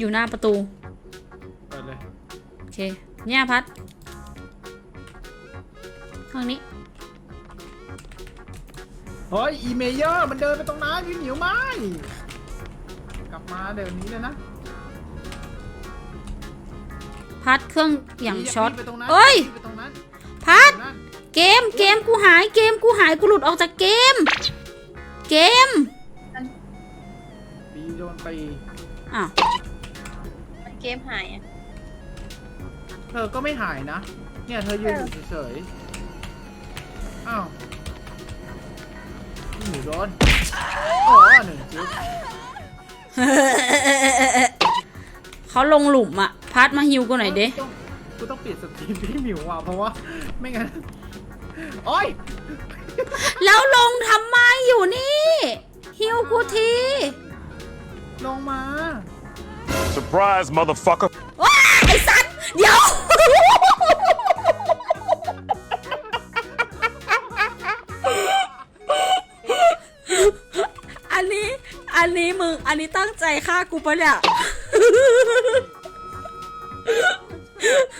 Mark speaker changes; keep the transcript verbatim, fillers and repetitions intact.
Speaker 1: อยู่หน้าประตู
Speaker 2: เปิดเลย
Speaker 1: โอเคเนี่ยพัดห้องนี้
Speaker 2: เฮ้ยอีเมเยอร์มันเดินไปตรงนั้นพี่หมิวไม่กลับมาเดี๋ยวนี้เลยนะ
Speaker 1: พัดเครื่องอย่างช็อต
Speaker 2: ไปตรงนั้น
Speaker 1: เอ้ย
Speaker 2: ไปตรงนั้น
Speaker 1: พัด
Speaker 2: ตรงนั้น
Speaker 1: เกมเกมกูหายเกมกูหายกูหลุดออกจากเกม เกม
Speaker 2: บีโดนไป
Speaker 1: อ้าว
Speaker 3: มันเกมหายอ่ะ
Speaker 2: เธอก็ไม่หายนะเนี่ยเธอยืนอยู่เฉยๆอ้าวพี่หมิวโดนอ๋อหนึ่งจิ๊บ
Speaker 1: เขาลงหลุมอะพัดมาฮิวกูหน่อยเด้
Speaker 2: กูต้องกูต้องปิดสตรีมพี่หมิวว่ะเพราะว่าไม่งั้นโอ้ย
Speaker 1: แล้วลงทำไมอยู่นี่ฮิวกูที
Speaker 2: ลงมา
Speaker 4: Surprise, motherfucker.
Speaker 1: ว้าไอ้สัตว์เดี๋ยว อันนี้อันนี้มึงอันนี้ตั้งใจฆ่ากูปะเนี่ย